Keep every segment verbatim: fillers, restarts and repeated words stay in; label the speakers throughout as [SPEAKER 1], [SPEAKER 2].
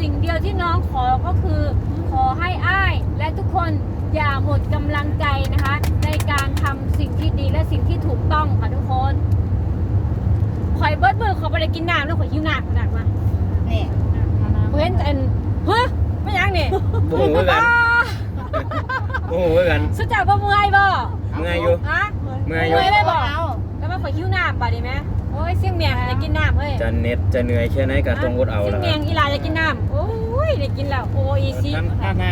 [SPEAKER 1] สิ่งเดียวที่น้องขอก็คือขอให้อ้ายและทุกคนอย่าหมดกำลังใจนะคะในการทำสิ่งที่ดีและสิ่งที่ถูกต้องค่ะทุกคนข่อยเบิดมือขอไปได้กินน้ำแล้วข่อยหิวน้ำขนาดมาเนี่ยเห็นอันเฮ้ยไม่ยังเนี่ย
[SPEAKER 2] โอ้โหเหมือนกันโอ้โหเหมือนกัน
[SPEAKER 1] สุดจากบ่เมื่อยบ่
[SPEAKER 2] เมื่อยอยู่
[SPEAKER 1] ฮะ
[SPEAKER 2] เมื่อยอยู่
[SPEAKER 1] เมื่อยเลยบ่แล้วมาข่อยหิวน้ำบ่ดีไหมโอ้ยเสี่ยงเมียงจะกินน้ำเฮ้ย
[SPEAKER 2] จะเหน็ดจะเหนื่อยแค่ไหนก็ต้องอดเอา
[SPEAKER 1] เสี่ย
[SPEAKER 2] แล้
[SPEAKER 1] ง
[SPEAKER 2] ว
[SPEAKER 1] เมียงอีหลาจะกินน้ำโอ้ยได้กินแล้วโอ้อีซี่
[SPEAKER 3] ท่านท่านหน้า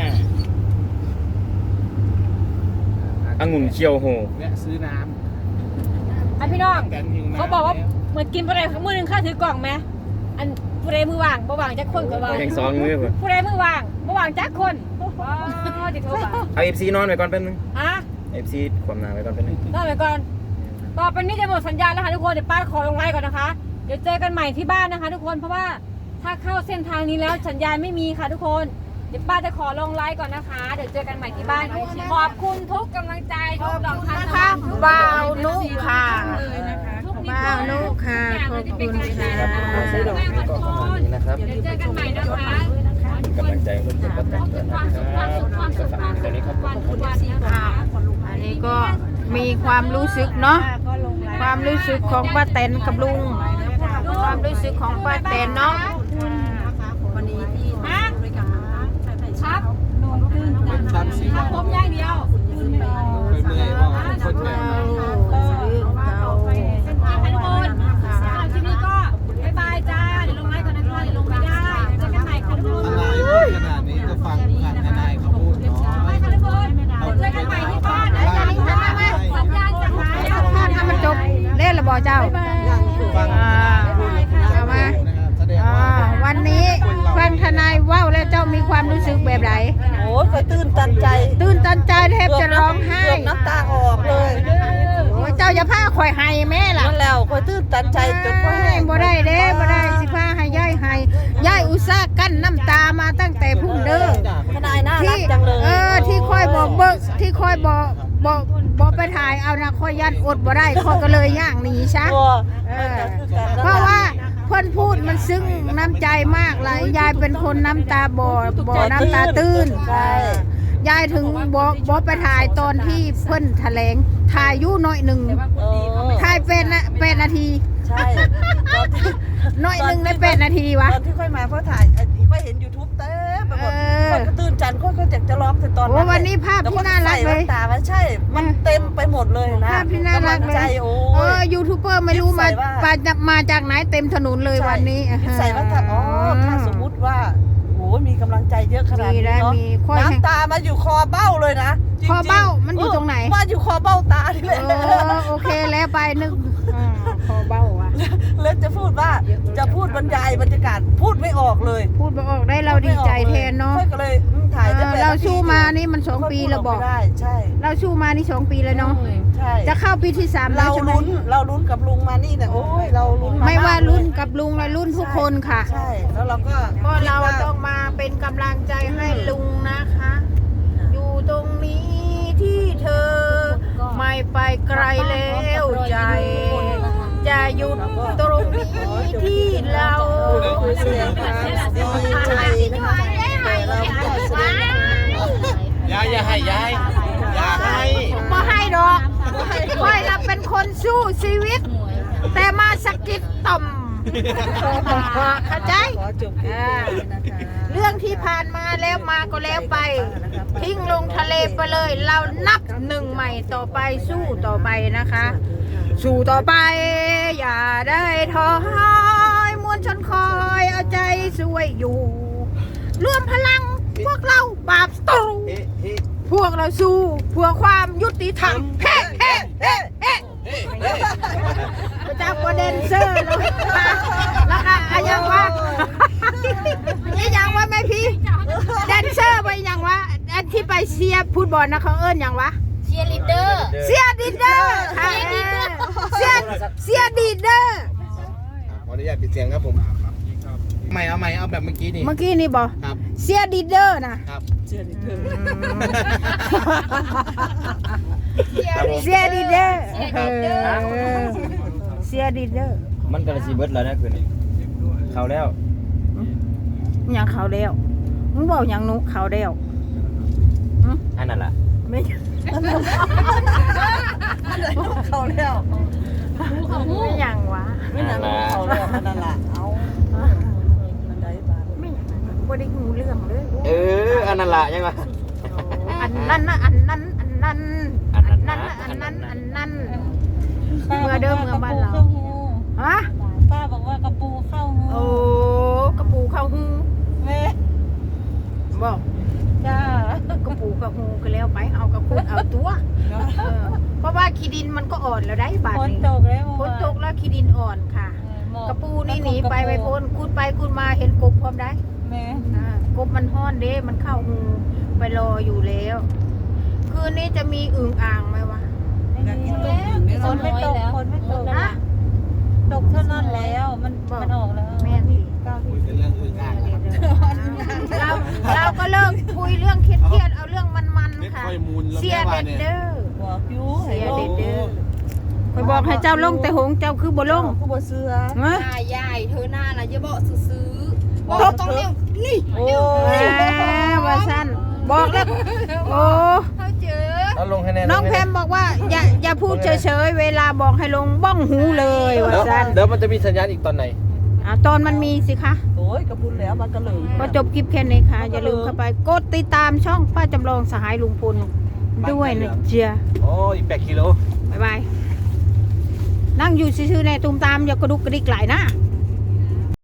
[SPEAKER 2] องุ่นเคียวโห
[SPEAKER 3] แวะซื้อน้
[SPEAKER 1] อ่ะพี่น้อง
[SPEAKER 3] ำแต่หิวน้ำ
[SPEAKER 1] เขาบอกว่าเหมือนกินผู้ใดมือหนึ่งข้าถือกล่องไหมอันผู้ใดมือว่างบ่ว่างจักคนก็ว่าง
[SPEAKER 2] แข่งสองมือเพื่อน
[SPEAKER 1] ผู้ใดมือว่างบ่ว่างจักคนว้าวจะโทรบ่า
[SPEAKER 2] เอาเอฟซีนอนไปก่อนแป๊บนึง
[SPEAKER 1] ฮะ
[SPEAKER 2] เอฟซีความหนาไปก่อนแป๊บนึง
[SPEAKER 1] รอไปก่อนต่อไปนี้จะหมดสัญญาณแล้วค่ะทุกคนเดี๋ยวป้าขอลงไลน์ก่อนนะคะเดี๋ยวเจอกันใหม่ที่บ้านนะคะ ทุกคนเพราะว่าถ้าเข้าเส้นทางนี้แล้วสัญญาณไม่มีค่ะทุกคนเดี๋ยวป้าจะขอลงไลน์ก่อนนะคะ เดี๋ยวเจอกันใหม่ที่บ้านขอบคุณทุกกำลังใจทุกดอกทานนะคะ
[SPEAKER 4] บ่าวนุค่ะ
[SPEAKER 1] เลยนะคะทุกนิด
[SPEAKER 4] บ่าวนุค่ะ ขอบคุณค่ะ
[SPEAKER 2] ครับเอาซื้อดอกนี้ก็ประมาณนี้นะครับ
[SPEAKER 1] เดี๋ยวเจอกันใหม่นะคะ
[SPEAKER 2] กำลังใจเพื่อนๆก็แต่งกันนะครับก็ฝากตอนนี้ครับขอบคุณ
[SPEAKER 1] วันนะคะ
[SPEAKER 4] อันนี้ก็มีความรู้สึกเนาะ ความรู้สึกของป้าแตนกับลุง ความรู้สึกของป้าแตนเนาะ
[SPEAKER 1] ฮะครับ
[SPEAKER 3] เป็นชั้นสี
[SPEAKER 1] ครับผมอย่างเดียว
[SPEAKER 3] เคยเมื่อยว่าคนแก่
[SPEAKER 1] เส้นทางค่ะทุกคนสำหรับคลิปนี้ก็บ๊ายบายจ้า เดี๋ยวลงไลน์ก่อนนะคะเดี๋ยวลงไม่ได้เจอกันใหม่ค่ะทุกคน
[SPEAKER 3] ทนายพูดขนาดนี้ก็ฟังผ่านทนายเขาพูดเนาะ
[SPEAKER 1] ไปค่ะทุกคนเดี๋ยวเจอกันใหม่ที่บ้านนะจ๊ะสัญญาณจะหายแล้ว
[SPEAKER 4] ถ้าทำมันจบเล่นระบอเจ้า
[SPEAKER 3] ฟัง
[SPEAKER 4] อ่าเอามา
[SPEAKER 3] แสดง
[SPEAKER 4] อ่า
[SPEAKER 3] ว่า
[SPEAKER 4] วันนี้ฟังทนายว่าวแล้วเจ้ามีความรู้สึกแบบไหน
[SPEAKER 5] โอ้ยเคยตื่นตันใจ
[SPEAKER 4] ตื่นตันใจแทบจะร้องไห้
[SPEAKER 5] เกือบน้ำตาออกเลย
[SPEAKER 4] โอ้ยเจ้าอย่าพาข่อยให้แม่ล่ะ
[SPEAKER 5] นั่นแล้วเคยตื่นตันใจจนพ่อแห้ง
[SPEAKER 4] บ่ได้เด้บ่ได้สิพาให้ย่ายให้ย่ายอุตส่าห์กั้นน้ำตามาตั้งแต่พุ่งเด้อ
[SPEAKER 5] ทนายน่ารั
[SPEAKER 4] ที่
[SPEAKER 5] กจังเลย
[SPEAKER 4] เออที่คอยบอกเบิกที่คอยบอกบอกบอกไปถ่ายเอานะคอยยันอดบ่ได้คอยก็เลยย่างหนีซะ
[SPEAKER 5] ตัว
[SPEAKER 4] เออเพราะว่าเพิ่นพูดมันซึ้งน้ำใจมากเลยยายเป็นคนน้ำตาบ่บ่น้ำตาตื้น
[SPEAKER 5] ใช่
[SPEAKER 4] ยายถึงบอกบอกไปถ่ายตอนที่เพิ่นแถลงถ่ายอยู่หน่อยหนึ่ง
[SPEAKER 5] เออ
[SPEAKER 4] ถ่ายเป็นนะเป็นนาที
[SPEAKER 5] ใช่ตอนที่
[SPEAKER 4] หน่อยหนึ่งได้เป็นนาทีวะ
[SPEAKER 5] ตอนที่ค่อยมาเพราะถ่ายไอ้ที่ค่อยเห็น YouTube เต็มไปหมด
[SPEAKER 4] เออ
[SPEAKER 5] ค่อยก็ตื่นจันค่อยก็อยากจะร้องแต่ตอน
[SPEAKER 4] โอ้
[SPEAKER 5] นั้น
[SPEAKER 4] วันนี้ภาพที่น่ารักเลย
[SPEAKER 5] แวใส่แว่นตามันใช่ มันเต็มไปหมดเลยนะ
[SPEAKER 4] ภาพที่น่ารัก
[SPEAKER 5] ำลัง
[SPEAKER 4] เล
[SPEAKER 5] ใจ
[SPEAKER 4] ย
[SPEAKER 5] โอ้
[SPEAKER 4] เออย ยูทูบเบอร์ไม่รู้มา
[SPEAKER 5] ใส่ว่า
[SPEAKER 4] มาจากมาจากไหนเต็มถนนเลยวันนี้
[SPEAKER 5] คิดใส่ว่าถ้าอ๋อถ้าสมมุติว่าโอ้ยมีกำลังใจเยอะขนาด
[SPEAKER 4] มี
[SPEAKER 5] นี้
[SPEAKER 4] แล้ว
[SPEAKER 5] เนาะ
[SPEAKER 4] มีค่อย
[SPEAKER 5] น้ำตามาอยู่คอเบ้าเลยนะจริงๆ
[SPEAKER 4] คอเบ้ามันอยู่ตรงไหน
[SPEAKER 5] มาอยู่คอเบ้าตานี่แหละ
[SPEAKER 4] เออโอเคแล้วไปนึกอ่าคอเบ้าว่ะ
[SPEAKER 5] แล้วจะพูดว่าจะพูดบรรยายบรรยากาศพูดไม่ออกเลย
[SPEAKER 4] พูดบ่ออกได้เราดีใจแทนเนาะ
[SPEAKER 5] ค่อยก็เลยอืมถ่ายได้
[SPEAKER 4] เออ
[SPEAKER 5] แปด
[SPEAKER 4] เรา
[SPEAKER 5] นที
[SPEAKER 4] สู้มานี่มันสองปีแล้วบอก
[SPEAKER 5] ค่ยพูดไม่ได้ใช่
[SPEAKER 4] เราสู้มานี่สองปีแล้วเนาะ
[SPEAKER 5] ใช่
[SPEAKER 4] จะเข้าปีที่สามแล้
[SPEAKER 5] เรา
[SPEAKER 4] วใช่ไหม
[SPEAKER 5] ลุ้นเราลุ้นกับลุงมานี่เนี่ยโอ้ยเราลุ้น
[SPEAKER 4] ไม่ว่ารุ่น
[SPEAKER 5] ก
[SPEAKER 4] กับลุงและรุ่นทุกคนค่ะ
[SPEAKER 5] ใช่แล้วเราก็
[SPEAKER 4] ก็เรา
[SPEAKER 5] คิดว่
[SPEAKER 4] ต้องมาเป็นกำลังใจให้ลุงนะคะ อยู่ตรงนี้ที่เธอไม่ไปไกลแล้วใจ จะหยุดตรงนี้ที่เรา
[SPEAKER 5] คือเสียงค่ะดีใจนะคะแต่เราก็แสดง
[SPEAKER 3] ยายอย่าให้ยายอย่าให้
[SPEAKER 4] ไม่ให้ดอกค่อยเราเป็นคนสู้ชีวิต แต่มาสะกิดต่อมเข้าใจ
[SPEAKER 5] ขอจบคลิปนี้นะคะ
[SPEAKER 4] เรื่องที่ผ่านมาแล้วมาก็แล้วไป ทิ้งลงทะเลไปเลย เรานับหนึ่งใหม่ต่อไปสู้ต่อไปนะคะ สู้ต่อไป อย่าได้ท้อหายมวลชนคอยเอาใจช่วยอยู่ รวมพลังพวกเราปราบศัตรูพวกเราสู้เพื่อความยุติธรรมเฮ้เฮ้เฮ้เฮ้พระเจ้าประเด็นเซอร์เลยแล้วก็อะยังว่าอะยังว่าแม่พี่แดนเซอร์ไปยังว่าอันที่ไปเชียร์ฟุตบอลนะเขาเอิ้นยังวะ
[SPEAKER 1] เชียร์ลีดเดอร์
[SPEAKER 4] เสียดีเดอร์ค่ะเสียเสียดีเดอร์
[SPEAKER 3] ขออนุญาตปิดเสียงครับผมใหม่เอาใหม่เอาแบบเมื่อกี้นี่
[SPEAKER 4] เมื่อกี้นี่บอก
[SPEAKER 3] ครับ
[SPEAKER 4] เสียดีเดอร์นะครับ
[SPEAKER 5] เชื่อดิเธอ
[SPEAKER 4] เสียดีเดอร์เสียดีเดอร์
[SPEAKER 2] มันกระสีเบิดแล้วนะคืนนี้เขาแล้ว
[SPEAKER 4] หยังเขาแล้วมึงบอกหยังหนุเขาแล้ว
[SPEAKER 2] อันนั้นล่ะ
[SPEAKER 5] ไม่เขาแล้ว
[SPEAKER 4] ไม่หยังวะ
[SPEAKER 5] ไม่นานเขาแล้วนั่นแหละเอามันได้บ้าง
[SPEAKER 4] ไม่หยังบ่ได้งูเรื่องเลย
[SPEAKER 2] เอออันนั้นล่ะยังไง
[SPEAKER 4] อันนั้นนะอันนั้นอันนั้น
[SPEAKER 2] อันนั้น
[SPEAKER 4] นั้น
[SPEAKER 2] นะ
[SPEAKER 4] อันนั้น
[SPEAKER 2] อั
[SPEAKER 4] อั
[SPEAKER 2] น
[SPEAKER 4] น
[SPEAKER 2] นั้
[SPEAKER 4] นั้น นเมื่อเดิมเมื่อบ้านเราฮะ
[SPEAKER 5] ป้าบอกว่ากระปูเข้าหู
[SPEAKER 4] โอ้กระปูเข้าหู
[SPEAKER 5] แม่
[SPEAKER 4] บอก
[SPEAKER 5] จ้าก
[SPEAKER 4] ระปูเข้าหูก็แล้วไปเอากระปูเอาตัวเออเพราะว่าขี้ดินมันก็อ่อนแล้วได้บาด
[SPEAKER 5] ฝน
[SPEAKER 4] นี้
[SPEAKER 5] ตกแล้ว
[SPEAKER 4] ฝนตกแล้วขี้ดินอ่อนค่ะ กระปูนี่หนีไปไปพ้นคูดไปคูดมาเห็นกบพร้อมได้
[SPEAKER 5] แม่
[SPEAKER 4] อ่ากบมันห้อนเด้มันเข้าหูไปรออยู่แล้ว คืนนี้จะมีอึ่งอ่างไหมวะ
[SPEAKER 5] ฝนไม่ตกฝนไม่ตก
[SPEAKER 4] ฮะ
[SPEAKER 5] ตกเท่านั้นแล้วมันมันออกแล้ว
[SPEAKER 4] แม่นสิ
[SPEAKER 5] เก้าที่
[SPEAKER 3] เป็นเรื่องอื่นอ่างครับ
[SPEAKER 4] เราเราก็เลิกคุยเรื่องเครียดๆเอาเรื่องมัน
[SPEAKER 3] ไม่
[SPEAKER 4] ๆค่ะ
[SPEAKER 3] ค่อยมูลแล้ว
[SPEAKER 4] เสีย
[SPEAKER 3] แม่ว่า
[SPEAKER 4] เด็ด
[SPEAKER 3] เนี่ย
[SPEAKER 4] เด้อ
[SPEAKER 5] บอกยู
[SPEAKER 4] เสียเด็ดเด้อคอยบอกให้เจ้าลงแต่หงเจ้าคือบ่ลง
[SPEAKER 5] กูบ่เสือ
[SPEAKER 4] เฮ้ย
[SPEAKER 6] ยายเธอหน้านะอย่าบอกซื้อๆบอก
[SPEAKER 5] ตบ
[SPEAKER 6] ต้องเร็วนี่
[SPEAKER 5] โอ้
[SPEAKER 4] แหมว่าสั้นบอกแล้วโอ้
[SPEAKER 6] เขาเจอ
[SPEAKER 3] เอาลงให้แน่
[SPEAKER 4] น้องแพมบอกว่าอย่าอย่าพูดเฉยๆเวลาบอกให้ลงบ้องหูเลยว่า
[SPEAKER 3] เดี๋ยว
[SPEAKER 4] สั้น
[SPEAKER 3] เดี๋ยวมันจะมีสัญญาณอีกตอนไหน
[SPEAKER 4] อ่ะตอนมันมีสิคะ
[SPEAKER 5] โอ้ยกระปุนแล้วมันก็เลย
[SPEAKER 4] ก็จบคลิปแค่นี้ค่ะ อย่าลืมเข้าไปกดติดตามช่องป้าจำลองสหายลุงพลด้วยนะเจีย
[SPEAKER 3] โอ้อีกแปดกิโล
[SPEAKER 4] บ๊ายบาย นั่งอยู่ซื่อๆในตุ้มตามอย่ากระดุกกระดิกไหลนะ
[SPEAKER 3] โ